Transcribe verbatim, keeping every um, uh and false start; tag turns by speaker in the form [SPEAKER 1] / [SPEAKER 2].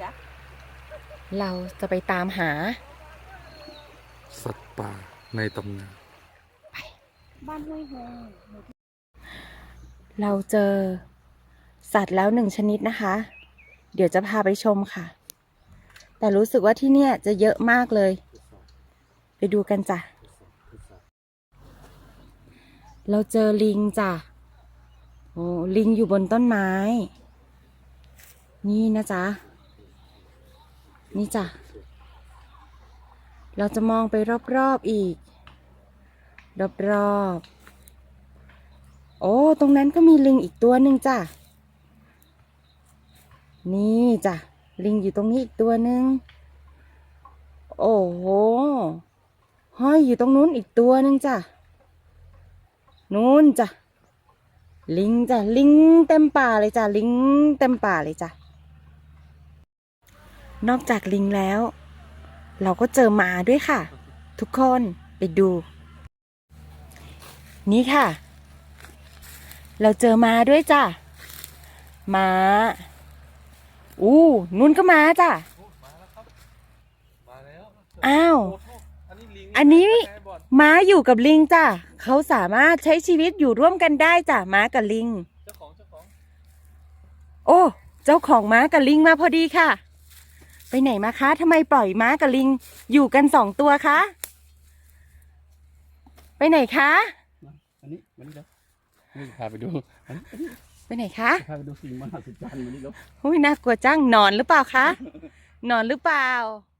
[SPEAKER 1] จ๊ะ
[SPEAKER 2] เราจะไปตามหา
[SPEAKER 3] สัตว์ป่าในตำนาน
[SPEAKER 1] บ้านห้วยโฮง
[SPEAKER 2] เราเจอสัตว์แล้วหนึ่งชนิดนะคะ เดี๋ยวจะพาไปชมค่ะ แต่รู้สึกว่าที่เนี่ยจะเยอะมากเลย ไปดูกันจ้ะ เราเจอลิงจ้ะโอ้ลิงอยู่บนต้นไม้ นี่นะจ๊ะ นี่จ้ะ เราจะมองไปรอบๆอีก รอบๆโอ้ตรงนั้นก็มีลิงอีกตัวหนึ่งจ้ะ นี่จ้ะ ลิงอยู่ตรงนี้อีกตัวหนึ่งโอ้โหห้อยอยู่ตรงนู้นอีกตัวหนึ่งจ้ะ นู้นจ้ะ ลิงจ้ะ ลิงเต็มป่าเลยจ้ะ ลิงเต็มป่าเลยจ้ะ นอกจากลิงแล้ว เราก็เจอหมาด้วยค่ะ ทุกคนไปดู นี่ค่ะ เราเจอม้าด้วยจ้ะม้าอู้นุ่นก็ม้าจ้ะอ้าวอันนี้ม้าอยู่กับลิงจ้ะเขาสามารถใช้ชีวิตอยู่ร่วมกันได้จ้ะม้ากับลิงเจ้าของเจ้าของโอ้เจ้าของม้ากับลิงมาพอดีค่ะไปไหนมาคะทำไมปล่อยม้ากับลิงอยู่กันสองตัวคะไปไหนคะ
[SPEAKER 4] อันนี้มันนี่ครับนี่พาไปดู
[SPEAKER 2] ไปไหนคะ
[SPEAKER 4] พาไปดูสิ่งมหัศจรรย์มันนี่ครับ
[SPEAKER 2] หุ้ยน่ากลัวจังนอนหรือเปล่าคะนอนหรือเปล่า